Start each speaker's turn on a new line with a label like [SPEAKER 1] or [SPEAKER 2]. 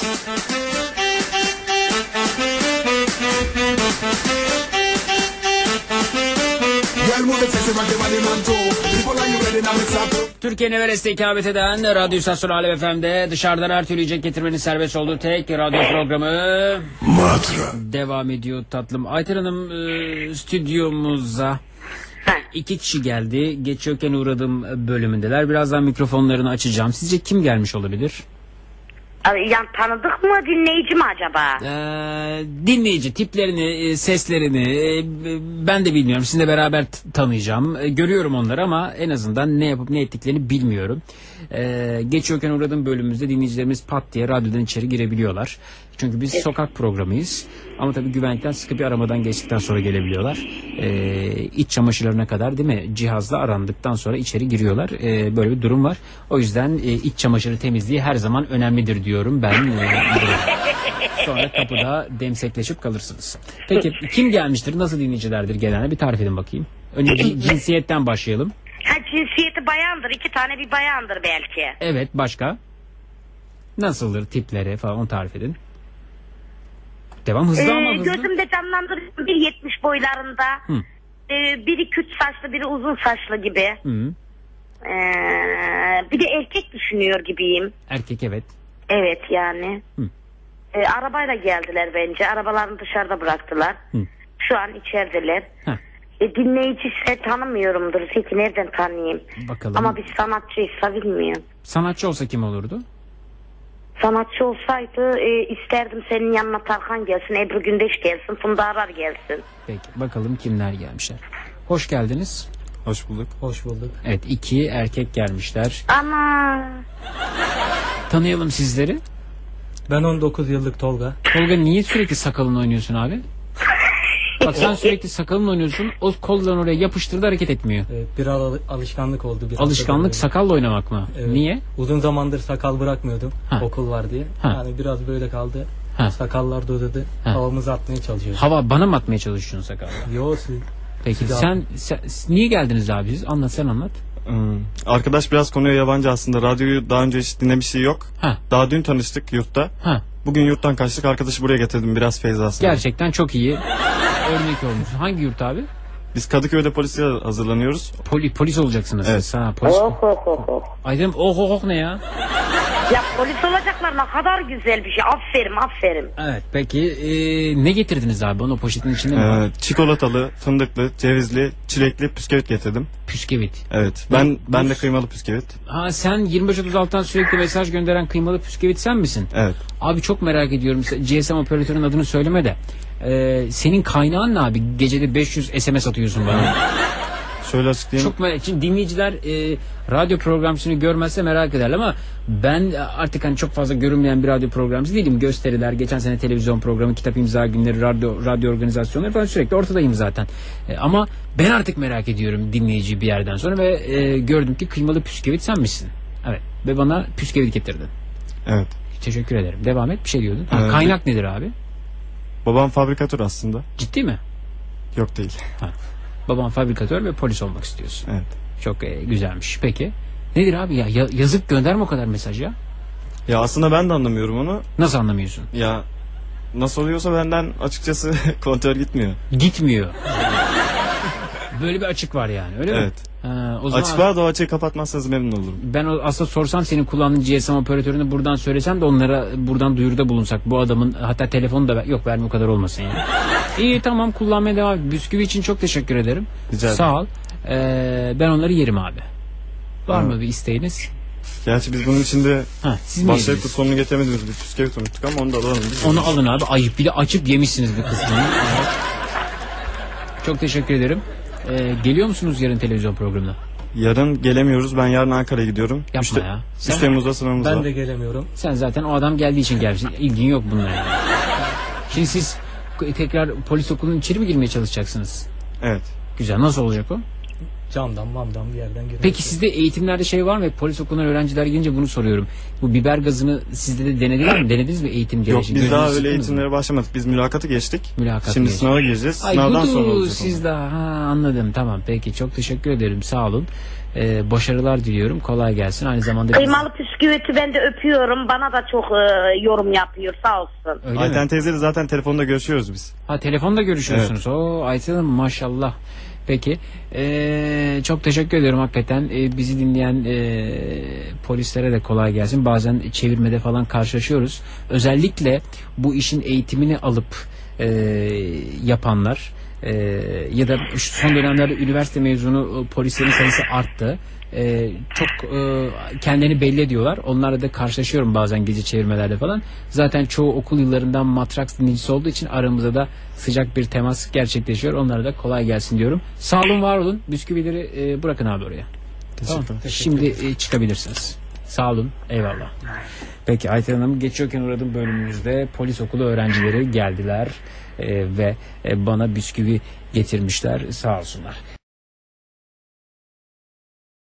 [SPEAKER 1] Türkiye'nin Everest'e ikamet eden Radyo İstasyonu Alem FM'de dışarıdan her türlü yiyecek getirmenin serbest olduğu tek radyo programı
[SPEAKER 2] Matra
[SPEAKER 1] devam ediyor tatlım. Ayten Hanım stüdyomuza 2 kişi geldi. Geçiyorken uğradığım bölümündeler. Birazdan mikrofonlarını açacağım. Sizce kim gelmiş olabilir?
[SPEAKER 3] Yani tanıdık mı, dinleyici mi acaba?
[SPEAKER 1] Dinleyici tiplerini, seslerini ben de bilmiyorum. Sizinle beraber tanıyacağım. Görüyorum onları ama en azından ne yapıp ne ettiklerini bilmiyorum. Geçiyorken uğradığım bölümümüzde dinleyicilerimiz pat diye radyodan içeri girebiliyorlar. Çünkü biz sokak programıyız. Ama tabii güvenlikten sıkı bir aramadan geçtikten sonra gelebiliyorlar. İç çamaşırlarına kadar değil mi? Cihazla arandıktan sonra içeri giriyorlar. Böyle bir durum var. O yüzden iç çamaşırı temizliği her zaman önemlidir diyorum ben. Sonra kapıda demsekleşip kalırsınız. Peki kim gelmiştir? Nasıl dinleyicilerdir genelde? Bir tarif edin bakayım. Önce cinsiyetten başlayalım.
[SPEAKER 3] Cinsiyeti bayandır. 2 tane bir bayandır belki.
[SPEAKER 1] Evet, başka? Nasıldır tipleri falan, onu tarif edin. Devam, hızlı ama hızlı.
[SPEAKER 3] Gözümde canlandırıyorum 1.70 boylarında. Biri küt saçlı, biri uzun saçlı gibi. Bir de erkek düşünüyor gibiyim.
[SPEAKER 1] Erkek, evet.
[SPEAKER 3] Evet yani. Arabayla geldiler bence. Arabalarını dışarıda bıraktılar. Şu an içerideler. Dinleyici ise tanımıyorumdur. Peki nereden tanıyayım?
[SPEAKER 1] Bakalım.
[SPEAKER 3] Ama bir sanatçıysa bilmiyorum.
[SPEAKER 1] Sanatçı olsa kim olurdu?
[SPEAKER 3] Sanatçı olsaydı isterdim senin yanına Tarkan gelsin, Ebru Gündeş gelsin, Funda Arar gelsin.
[SPEAKER 1] Peki bakalım kimler gelmişler. Hoş geldiniz.
[SPEAKER 4] Hoş bulduk.
[SPEAKER 5] Hoş bulduk.
[SPEAKER 1] Evet, 2 erkek gelmişler.
[SPEAKER 3] Ama
[SPEAKER 1] Tanıyalım sizleri.
[SPEAKER 5] Ben 19 yıllık Tolga.
[SPEAKER 1] Tolga, niye sürekli sakalını oynuyorsun abi? Bak sen sürekli sakalını oynuyorsun. O kollarını oraya yapıştırdı, hareket etmiyor.
[SPEAKER 5] Evet, bir alışkanlık oldu.
[SPEAKER 1] Alışkanlık sakalla oynamak mı?
[SPEAKER 5] Evet.
[SPEAKER 1] Niye?
[SPEAKER 5] Uzun zamandır sakal bırakmıyordum. Okul var diye. Yani biraz böyle kaldı. Sakallar da uzadı. Havamızı atmaya çalışıyoruz.
[SPEAKER 1] Hava bana mı atmaya çalışıyorsun sakalla?
[SPEAKER 5] Yok siz.
[SPEAKER 1] Peki sen niye geldiniz abi siz? Anlat, sen anlat.
[SPEAKER 4] Arkadaş biraz konuya yabancı aslında. Radyoyu daha önce hiç dinlemişliği yok. Daha dün tanıştık yurtta. Bugün yurttan kaçtık. Arkadaşı buraya getirdim. Biraz feyz aslında.
[SPEAKER 1] Gerçekten çok iyi. Örnek olmuş. Hangi yurt abi?
[SPEAKER 4] Biz Kadıköy'de polise hazırlanıyoruz.
[SPEAKER 1] Polis olacaksınız.
[SPEAKER 4] Evet.
[SPEAKER 1] Siz. Polis. Aydın ne ya?
[SPEAKER 3] Ya polis olacaklar, ne kadar güzel bir şey. Aferin.
[SPEAKER 1] Evet, peki ne getirdiniz abi? Onu poşetin içinde mi var?
[SPEAKER 4] Çikolatalı, fındıklı, cevizli, çilekli püskevit getirdim.
[SPEAKER 1] Püskevit.
[SPEAKER 4] Evet. Ben de kıymalı püskevit.
[SPEAKER 1] Sen 2536'dan sürekli mesaj gönderen kıymalı püskevit sen misin?
[SPEAKER 4] Evet.
[SPEAKER 1] Abi çok merak ediyorum. GSM operatörünün adını söyleme de. Senin kaynağın ne abi? Gecede 500 SMS atıyorsun bana.
[SPEAKER 4] Şöyle açıklayayım.
[SPEAKER 1] Çok merak. Şimdi dinleyiciler radyo programcısını görmezse merak ederler ama ben artık hani çok fazla görünmeyen bir radyo programcısı değilim. Gösteriler, geçen sene televizyon programı, kitap imza günleri, radyo organizasyonları falan sürekli ortadayım zaten. Ama ben artık merak ediyorum dinleyiciyi bir yerden sonra ve gördüm ki kıymalı püskevit sen misin? Evet. Ve bana püskevit getirdin.
[SPEAKER 4] Evet.
[SPEAKER 1] Teşekkür ederim. Devam et. Bir şey diyordun. Kaynak nedir abi?
[SPEAKER 4] Babam fabrikatör aslında.
[SPEAKER 1] Ciddi mi?
[SPEAKER 4] Yok değil.
[SPEAKER 1] Baban fabrikatör ve polis olmak istiyorsun.
[SPEAKER 4] Evet.
[SPEAKER 1] Çok güzelmiş. Peki. Nedir abi ya? Yazık, gönderme o kadar mesaj ya.
[SPEAKER 4] Ya aslında ben de anlamıyorum onu.
[SPEAKER 1] Nasıl anlamıyorsun?
[SPEAKER 4] Ya nasıl oluyorsa benden açıkçası kontrol gitmiyor.
[SPEAKER 1] Gitmiyor. Böyle bir açık var yani, öyle mi?
[SPEAKER 4] Evet.
[SPEAKER 1] O zaman
[SPEAKER 4] açık var da o açığı kapatmazsanız memnun olurum. Ben
[SPEAKER 1] aslında sorsam senin kullandığın GSM operatörünü buradan söylesem de onlara buradan duyuruda bulunsak. Bu adamın hatta telefonu da yok, verme o kadar olmasın yani. İyi, tamam, kullanmaya devam et. Bisküvi için çok teşekkür ederim.
[SPEAKER 4] Rica ederim.
[SPEAKER 1] Sağ ol. Ben onları yerim abi. Var mı bir isteğiniz?
[SPEAKER 4] Gerçi biz bunun içinde başlayıp da sonunu getiremediğimiz bir püskevit unuttuk ama onu da alalım.
[SPEAKER 1] Onu alın abi. Ayıp, bir de açıp yemişsiniz bir kısmını. Çok teşekkür ederim. Geliyor musunuz yarın televizyon programına?
[SPEAKER 4] Yarın gelemiyoruz. Ben yarın Ankara'ya gidiyorum.
[SPEAKER 1] Yapma ya.
[SPEAKER 4] 3 Temmuz'da sınavımız var.
[SPEAKER 5] Ben de gelemiyorum.
[SPEAKER 1] Sen zaten o adam geldiği için gelmişsin. İlgin yok bununla yani. Şimdi siz tekrar polis okulunun içeri mi girmeye çalışacaksınız?
[SPEAKER 4] Evet.
[SPEAKER 1] Güzel. Nasıl olacak o?
[SPEAKER 5] camdan mamdan bir yerden görüyoruz.
[SPEAKER 1] Peki sizde eğitimlerde şey var mı? Polis okulundan öğrenciler gelince bunu soruyorum. Bu biber gazını sizde de denediler mi? Denediniz mi eğitim
[SPEAKER 4] Yok,
[SPEAKER 1] gereği?
[SPEAKER 4] biz daha öyle eğitimlere başlamadık. Biz mülakatı geçtik. Şimdi sınava gireceğiz.
[SPEAKER 1] Ay
[SPEAKER 4] Sınavdan
[SPEAKER 1] budu,
[SPEAKER 4] sonra olacak.
[SPEAKER 1] siz daha anladım, tamam, peki, çok teşekkür ederim, sağ olun. Başarılar diliyorum, kolay gelsin. Aynı zamanda
[SPEAKER 3] Kıymalı püsküveti ben de öpüyorum. Bana da çok yorum yapıyor, sağ olsun.
[SPEAKER 4] Ayten teyzeyle zaten telefonda görüşüyoruz biz.
[SPEAKER 1] Ha, telefonda görüşüyorsunuz.
[SPEAKER 4] Evet.
[SPEAKER 1] Oo, Ayten Hanım maşallah. Peki. Çok teşekkür ederim hakikaten. Bizi dinleyen polislere de kolay gelsin. Bazen çevirmede falan karşılaşıyoruz. Özellikle bu işin eğitimini alıp yapanlar ya da son dönemlerde üniversite mezunu polislerin sayısı arttı. Çok kendini belli ediyorlar. Onlarla da karşılaşıyorum bazen gece çevirmelerde falan. Zaten çoğu okul yıllarından Matrax dinleyicisi olduğu için aramızda da sıcak bir temas gerçekleşiyor. Onlara da kolay gelsin diyorum. Sağ olun, var olun. Bisküvileri bırakın abi oraya. Tamam. Şimdi çıkabilirsiniz. Sağ olun. Eyvallah. Peki Ayten Hanım, geçiyorken uğradığım bölümümüzde polis okulu öğrencileri geldiler ve bana bisküvi getirmişler. Sağ olsunlar.